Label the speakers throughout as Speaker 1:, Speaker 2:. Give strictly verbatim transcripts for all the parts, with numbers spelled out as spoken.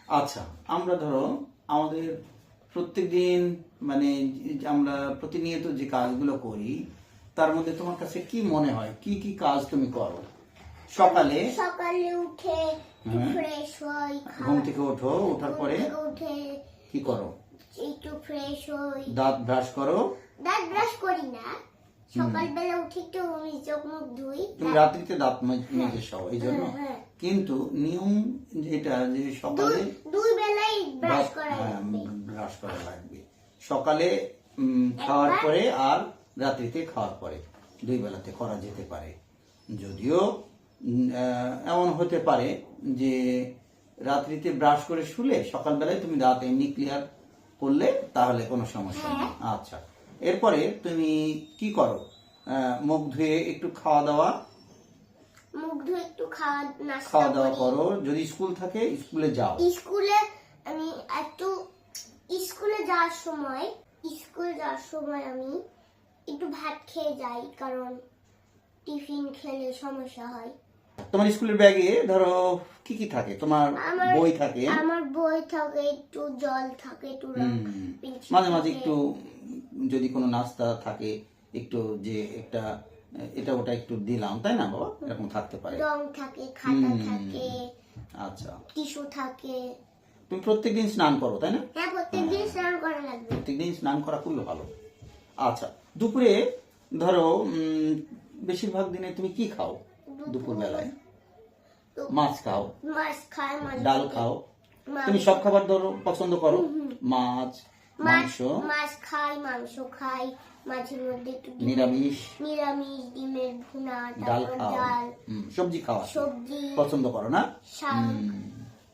Speaker 1: আচ্ছা, আমরা ধরো আমাদের প্রত্যেকদিন মানে আমরা প্রতিনিয়ত যে কাজগুলো করি তার মধ্যে তোমার কাছে কি মনে হয় কি কি কাজ তুমি করো? সকালে
Speaker 2: সকালে উঠে
Speaker 1: হ্যাঁ।
Speaker 2: ফ্রেশ হই,
Speaker 1: ঘুম থেকে ওঠো, ওঠার পরে
Speaker 2: ঘুম থেকে উঠে
Speaker 1: কি করো?
Speaker 2: একটু ফ্রেশ হই,
Speaker 1: দাঁত ব্রাশ করো?
Speaker 2: দাঁত ব্রাশ করি না, সকালবেলা উঠে একটু আমি চোখ মুখ ধুই।
Speaker 1: তুমি রাত্রিতে দাঁত মেজ- মেজে শোও এই জন্য,
Speaker 2: হ্যাঁ, হ্যাঁ।
Speaker 1: কিন্তু নিয়ম যেটা যে সকালে
Speaker 2: দুই- দুই বেলাই ব্রাশ করা
Speaker 1: হ্যাঁ,
Speaker 2: লাগবে।
Speaker 1: ব্রাশ করা লাগবে সকালে উম, খাওয়ার
Speaker 2: একবার।
Speaker 1: পরে আর রাত্রিতে খাওয়ার পরে দুই বেলাতে করা যেতে পারে। যদিও উম, আহ, এমন হতে পারে যে রাত্রিতে ব্রাশ করে শুলে সকালবেলায় তুমি দাঁত এমনি ক্লিয়ার করলে তাহলে কোনো সমস্যা নেই। আচ্ছা, এরপরে তুমি কি করো? আহ, মুখ ধুয়ে একটু খাওয়া দাওয়া
Speaker 2: মুখ ধুয়ে একটু খাওয়া নাস্তা
Speaker 1: খাওয়া দাওয়া
Speaker 2: করি।
Speaker 1: করো, যদি স্কুল থাকে স্কুলে যাও।
Speaker 2: স্কুলে আমি একটু স্কুলে যাওয়ার সময় স্কুল যাওয়ার সময় আমি একটু ভাত খেয়ে যাই, কারণ টিফিন খেলে সমস্যা হয়।
Speaker 1: তোমার স্কুলের ব্যাগে ধরো কি কি থাকে? তোমার
Speaker 2: আমার
Speaker 1: বই থাকে,
Speaker 2: আমার বই থাকে, একটু জল থাকে, একটু রং
Speaker 1: হুম,
Speaker 2: পেন্সিল
Speaker 1: মাঝে মাঝে
Speaker 2: থাকে।
Speaker 1: একটু যদি কোনো নাস্তা থাকে একটু যে একটা এটা ওটা একটু দিলাম, তাই না বাবা? এরকম থাকতে পারে।
Speaker 2: রং থাকে, খাতা
Speaker 1: হুম।
Speaker 2: থাকে,
Speaker 1: আচ্ছা,
Speaker 2: টিস্যু থাকে।
Speaker 1: তুমি প্রত্যেকদিন স্নান করো তাই না?
Speaker 2: হ্যাঁ, প্রত্যেকদিন স্নান করা লাগবে।
Speaker 1: প্রত্যেকদিন স্নান করা খুবই ভালো। আচ্ছা, দুপুরে ধরো উম, বেশিরভাগ দিনে তুমি কি খাও? দুপুর বেলায় মাছ খাও,
Speaker 2: মাছ খাই, মাছ
Speaker 1: ডাল
Speaker 2: থাকে।
Speaker 1: খাও,
Speaker 2: মাছ-
Speaker 1: তুমি সব খাবার ধরো পছন্দ করো? মাছ,
Speaker 2: মাছ
Speaker 1: মাংস,
Speaker 2: মাছ খাই, মাংস খাই, মাছের মধ্যে একটু ডিম-
Speaker 1: নিরামিষ,
Speaker 2: নিরামিষ, ডিমের ভুনা,
Speaker 1: ডাল
Speaker 2: তারপর
Speaker 1: খাও,
Speaker 2: ডাল,
Speaker 1: হুম, সবজি খাওয়া
Speaker 2: সবজি,
Speaker 1: পছন্দ করো না?
Speaker 2: শাক,
Speaker 1: হুম,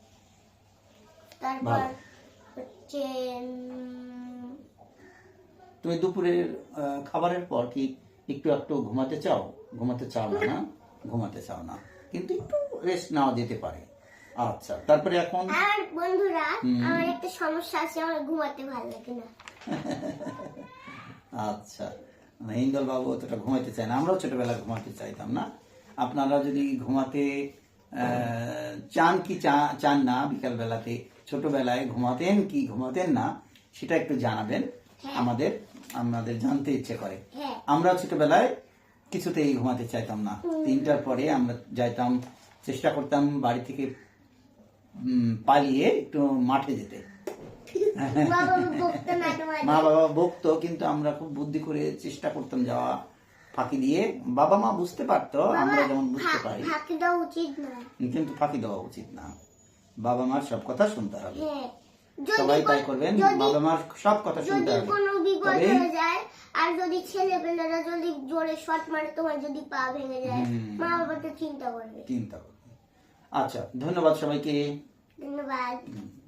Speaker 2: তারপর
Speaker 1: ভালো।
Speaker 2: হচ্ছে উম,
Speaker 1: তুমি দুপুরের আহ, খাবারের পর কি একটু একটু ঘুমাতে চাও? ঘুমাতে চাও না না? ঘুমাতে চাও না, কিন্তু একটু রেস্ট নেওয়া যেতে পারে। আচ্ছা, তারপরে এখন
Speaker 2: আর বন্ধুরা, আমার একটা সমস্যা আছে, আমার ঘুমাতে ভালো লাগে না।
Speaker 1: আচ্ছা, হিন্দল বাবু অতটা ঘুমাইতে চায় না, আমরাও ছোটবেলায় ঘুমাতে চাইতাম না। আপনারা যদি ঘুমাতে আহ, চান কি চা- চান না, বিকাল বেলাতে ছোটবেলায় ঘুমাতেন কি ঘুমাতেন না, সেটা একটু জানাবেন আমাদের, আমাদের জানতে ইচ্ছে করে।
Speaker 2: হ্যাঁ।
Speaker 1: আমরা ছোটবেলায় কিছুতেই ঘুমাতে চাইতাম না, তিনটার পরে আমরা যাইতাম, চেষ্টা করতাম বাড়ি থেকে উম, পালিয়ে একটু মাঠে যেতে।
Speaker 2: বাবা বকতো না তোমার?
Speaker 1: মা বাবা বকতো, কিন্তু আমরা খুব বুদ্ধি করে চেষ্টা করতাম যাওয়া, ফাঁকি দিয়ে। বাবা মা বুঝতে পারতো আমরা যেমন বুঝতে পারি,
Speaker 2: ফাঁকি দেওয়া উচিত না।
Speaker 1: কিন্তু ফাঁকি দেওয়া উচিত না। বাবা মার সব কথা শুনতে হবে,
Speaker 2: হ্যাঁ, যদি
Speaker 1: সবাই তাই
Speaker 2: কোন-
Speaker 1: করবেন।
Speaker 2: যদি-
Speaker 1: বাবা মার সব কথা শুনতে
Speaker 2: যদি
Speaker 1: হবে,
Speaker 2: কোনো বিপদ
Speaker 1: তবেই
Speaker 2: হয়ে যায়, আর যদি ছেলেপেলেরা যদি জোরে শট মারে, তোমার যদি পা ভেঙে যায়, মা বাবা তো চিন্তা করবে।
Speaker 1: চিন্তা করবে। আচ্ছা, ধন্যবাদ সবাইকে।
Speaker 2: ধন্যবাদ।
Speaker 1: হুম।